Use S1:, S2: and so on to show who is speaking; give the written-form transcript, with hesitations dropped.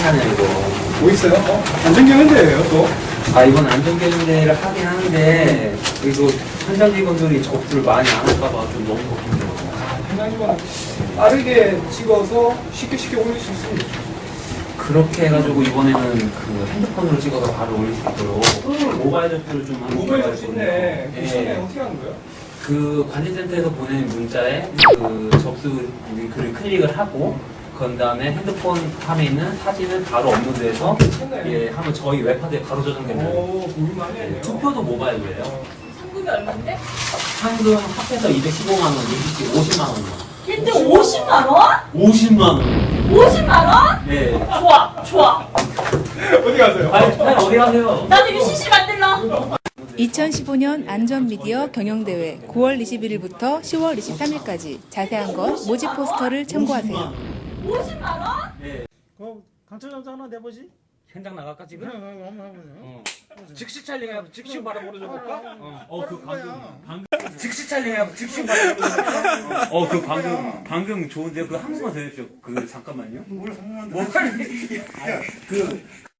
S1: 하냐 이거.
S2: 뭐 있어요? 안전경연대예요 또.
S1: 아 이번 안전경연대회를 하긴 하는데 이거 현장 직원들이 접수를 많이 안 할까봐 좀 너무 걱정돼요.
S2: 현장 직원 빠르게 찍어서 쉽게 올릴 수 있습니다.
S1: 그렇게 해가지고 이번에는 그 핸드폰으로 찍어서 바로 올릴 수 있도록 모바일 접수를 좀 하는
S2: 모바일 접수 있네. 그 시간에
S1: 예.
S2: 어떻게 하는 거예요?
S1: 그 관제센터에서 보내는 문자에 그 접수 글을 클릭을 하고 그 다음에 핸드폰 화면에 있는 사진을 바로 업로드해서 예 하면 저희 웹하드에 바로 저장됩니다.
S2: 오, 고민 많이 했네요.
S1: 투표도 모바일로예요.
S3: 상금이 얼마인데?
S1: 상금 합해서 215만 원, 이기지 50만 원이요.
S3: 1등 50만 원?
S1: 50만 원.
S3: 50만 원?
S1: 예.
S3: 좋아.
S2: 어디 가세요?
S1: 아니 어디 가세요?
S3: 나도 이거 CC 만들러.
S4: 2015년 안전미디어 경영대회 9월 21일부터 10월 23일까지 자세한 건 모집 포스터를 참고하세요.
S3: 50만 원?
S1: 예.
S5: 강철 하나 내보지?
S1: 현장 나갈까 지금?
S5: 한번 해보세요.
S1: 즉시 촬영해서 즉시 바로 보내줘볼까? 그
S5: 방금
S1: 즉시 촬영해서 즉시 바로 보내줘볼까? 그 방금 좋은데요? 그 한 번만 더 해주십시오. 그 잠깐만요.
S5: 뭘 한번
S1: 뭐, 그